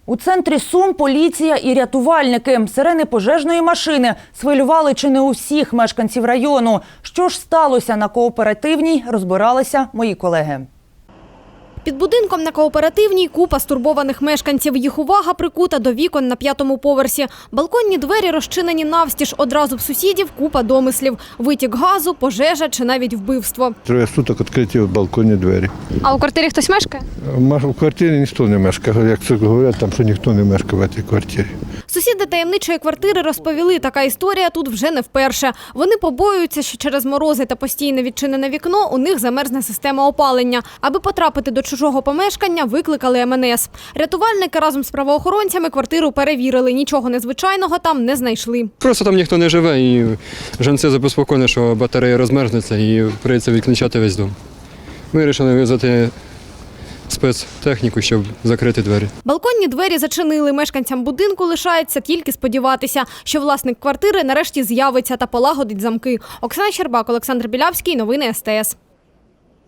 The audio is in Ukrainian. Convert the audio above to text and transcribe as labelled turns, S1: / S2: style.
S1: У центрі Сум поліція і рятувальники. Сирени пожежної машини схвилювали чи не усіх мешканців району. Що ж сталося на Кооперативній, розбиралися мої колеги.
S2: Під будинком на Кооперативній купа стурбованих мешканців. Їх увага прикута до вікон на 5-му поверсі. Балконні двері розчинені навстіж. Одразу в сусідів купа домислів. Витік газу, пожежа чи навіть вбивство.
S3: Троє суток відкриті балконні двері.
S2: А у квартирі хтось мешкає?
S3: У квартирі ніхто не мешкає. Як це говорять, там, що ніхто не мешкає в цій квартирі.
S2: Сусіди таємничої квартири розповіли, така історія тут вже не вперше. Вони побоюються, що через морози та постійне відчинене вікно у них замерзне система опалення. Аби потрапити до чужого помешкання, викликали МНС. Рятувальники разом з правоохоронцями квартиру перевірили. Нічого незвичайного там не знайшли.
S4: Просто там ніхто не живе і жінці забезпокоєні, що батарея розмерзнеться і прийдеться відключати весь дом. Ми вирішили визвати спецтехніку, щоб закрити двері.
S2: Балконні двері зачинили. Мешканцям будинку лишається тільки сподіватися, що власник квартири нарешті з'явиться та полагодить замки. Оксана Щербак, Олександр Білявський. Новини СТС.